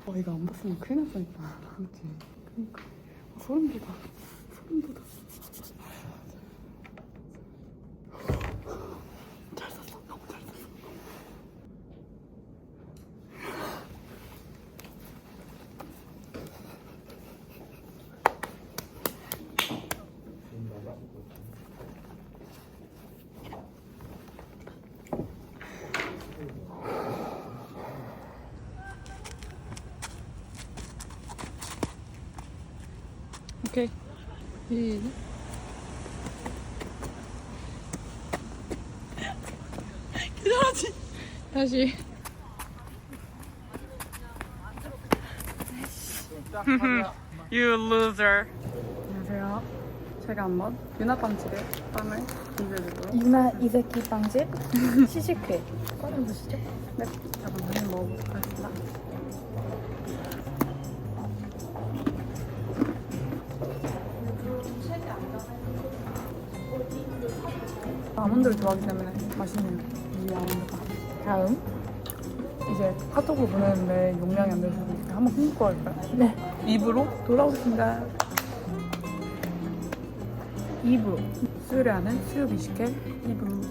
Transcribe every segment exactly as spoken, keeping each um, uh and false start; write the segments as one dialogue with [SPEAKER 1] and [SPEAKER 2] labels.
[SPEAKER 1] 와 이거 안 봤으면 큰일 날 뻔했다. 그치? 그니까 아, 소름 돋아. 소름 돋아. 잘 썼어. 너무 잘 썼어. 오케이. 시작. 기다려지. 다시. You loser. 안녕하세요. 제가 한번 유나빵집의 빵을 리뷰해드리도록
[SPEAKER 2] 유나 이세키 빵집 시식회 꺼내보시죠.
[SPEAKER 1] 네, 잠깐 한번 먹어보도록 하겠습니다. 아몬드를 좋아하기 때문에 맛있네요. 이 아몬드가.
[SPEAKER 2] 다음.
[SPEAKER 1] 이제 카톡으로 보내는데 용량이 안 돼서 한번 끊고 할까요?
[SPEAKER 2] 네.
[SPEAKER 1] 입으로 돌아오겠습니다.
[SPEAKER 2] 이부.
[SPEAKER 1] 수요일하는 수요 미식회 입으로.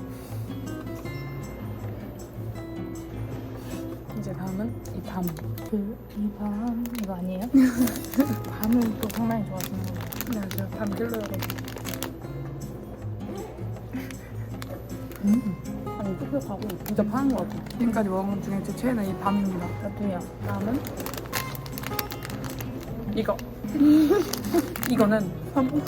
[SPEAKER 1] 이제 다음은 이 밤.
[SPEAKER 2] 그, 이 밤. 이거 아니에요? 밤을 또 상당히 좋아하시는 거예요.
[SPEAKER 1] 네, 제가 밤 딜러여가지고.
[SPEAKER 2] 음.
[SPEAKER 1] 아니, 촉촉하고 진짜 파는 것 같아요. 지금까지 먹은 것 중에 제 최애는 이 밤입니다.
[SPEAKER 2] 나도요.
[SPEAKER 1] 다음은 이거. 이거는 삼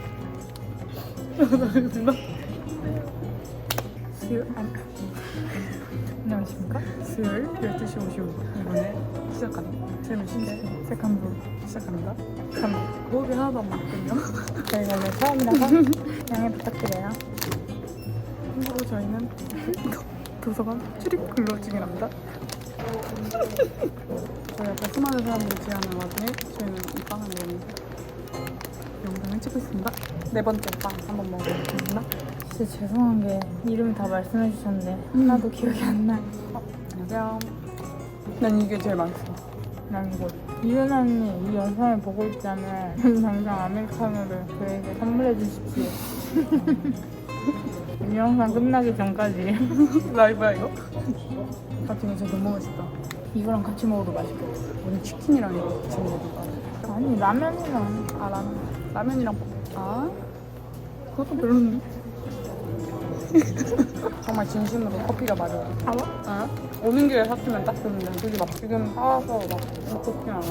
[SPEAKER 1] 수요일, 아니,
[SPEAKER 2] 안녕하십니까?
[SPEAKER 1] 수요일 열두 시 오십오 분 이번에 시작하는 재미신데 세컨부 시작합니다. 참 호흡이 하나도 안 맞거든요.
[SPEAKER 2] 저희가 오늘 처음이라서 양해 부탁드려요.
[SPEAKER 1] 참고로 저희는 도서관 출입 근로 중이랍니다. 저희 앞에 수많은 사람들이 지나는 와중에 저희는 이 빵을 먹으면서 영상을 찍고 있습니다. 네 번째 빵 한번 먹어보겠습니다.
[SPEAKER 2] 진짜 죄송한 게 이름 다 말씀해 주셨는데 하나도 기억이 안 나요.
[SPEAKER 1] 어, 안녕하세요. 난 이게 제일 맛있어.
[SPEAKER 2] 난 이거 이윤아 언니 이 영상을 보고 있다면 당장 아메리카노를 저에게 선물해 주십시오. 이 영상 끝나기 전까지
[SPEAKER 1] 라이브야 이거? 같은 거 진짜 너무 맛있다.
[SPEAKER 2] 이거랑 같이 먹어도 맛있겠다.
[SPEAKER 1] 오늘 치킨이랑 이거 같이 먹어볼까?
[SPEAKER 2] 아니 라면이랑
[SPEAKER 1] 아 라면. 라면이랑 볶- 아? 그것도 별로인데? 정말 진심으로 커피가 맞아요.
[SPEAKER 2] 사와?
[SPEAKER 1] 어? 오는 길에 샀으면 딱 좋은데 굳이 막 지금 사와서 막 먹고 싶진 않아.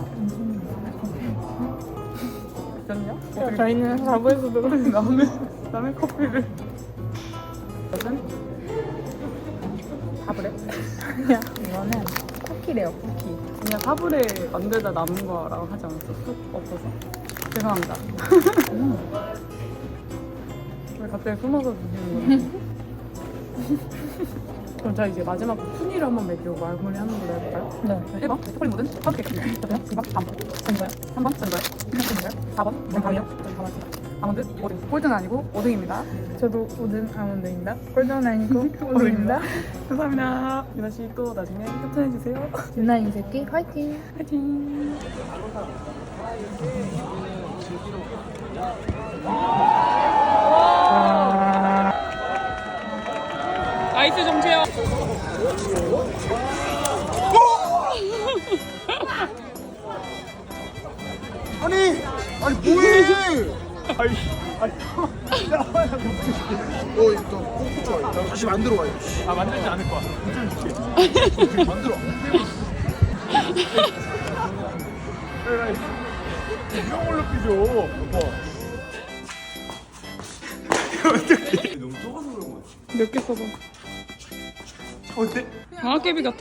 [SPEAKER 1] 괜찮냐?
[SPEAKER 2] 저희는 사부에서 들어
[SPEAKER 1] 남의, 남의 커피를 이것은 사브레?
[SPEAKER 2] 야 이거는 쿠키래요 쿠키.
[SPEAKER 1] 그냥 사브레 만들다 남은 거라고 하지 않았어? 쑥 없어서 죄송합니다.
[SPEAKER 2] 음.
[SPEAKER 1] 왜 갑자기 숨어서 드시는 거예요? 그럼 자 이제 마지막 순위를 한번 매기고 마무리하는 걸로 해볼까요?
[SPEAKER 2] 네.
[SPEAKER 1] 일 번 초콜릿 모든 파우치 케이크 저도요? 이 번 밤 전이고요 삼 번 전이고요 전이고요 사 번 전밤이요 전 밤았습니다. 아몬드 오 등 꼴등 아니고 오 등입니다.
[SPEAKER 2] 저도 오든 아몬드입니다. 꼴등 아니고 오든입니다.
[SPEAKER 1] 감사합니다. 유나 씨 또 나중에 협찬해 주세요.
[SPEAKER 2] 유나 이새끼 화이팅.
[SPEAKER 1] 화이팅. 아이스 정체요.
[SPEAKER 3] 아니, 아니 뭐해? 아니, 아니, 어, 일단 꼭 좋아요. 다시 만들어 와요.
[SPEAKER 4] 아 만들지 않을 거야.
[SPEAKER 3] 만들어.
[SPEAKER 4] 이런 걸로 삐져. 여보. 너무 좁아서 그런 거야.
[SPEAKER 1] 몇 개 써봐.
[SPEAKER 4] 어때?
[SPEAKER 1] 방학개비 같아.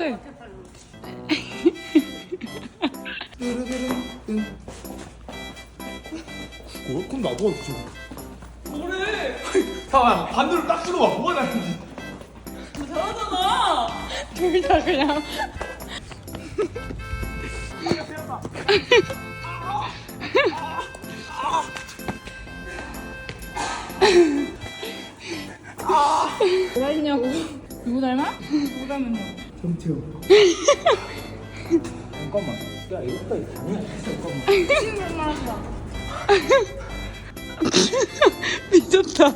[SPEAKER 4] 뭐? 그럼 나도 어떻게? 뭐래? 자, 반대로 딱 찍어봐. 뭐가 다른지.
[SPEAKER 1] 잘하잖아. 둘 다 그냥.
[SPEAKER 2] 뭐라 했냐고. 누구 닮아? 누구 닮았냐고.
[SPEAKER 3] 정태호. 잠깐만.
[SPEAKER 4] 야 이거까지 당연히 했어.
[SPEAKER 1] 미쳤다.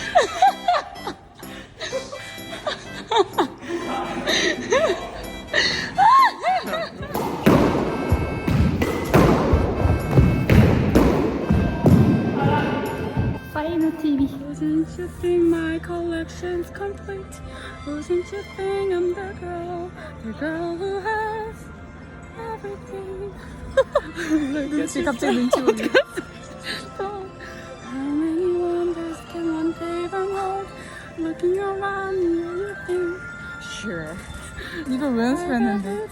[SPEAKER 1] Final 티비. Wasn't you think my collection's complete? Wasn't you think I'm the girl, the girl who has everything? 눈치 갑자기 눈치 보네. How many wonders can one day unfold? Looking around me, you think? Sure.
[SPEAKER 2] 이걸 왜 연습했는데?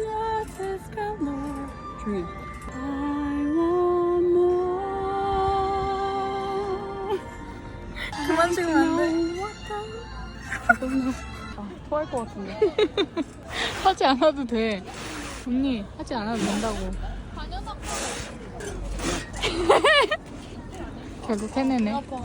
[SPEAKER 1] 조용히.
[SPEAKER 2] I want more. 그만 찍으면 안 돼.
[SPEAKER 1] 아, 토할 것 같은데.
[SPEAKER 2] 하지 않아도 돼. 언니 하지 않아도 된다고. 결국 해내네.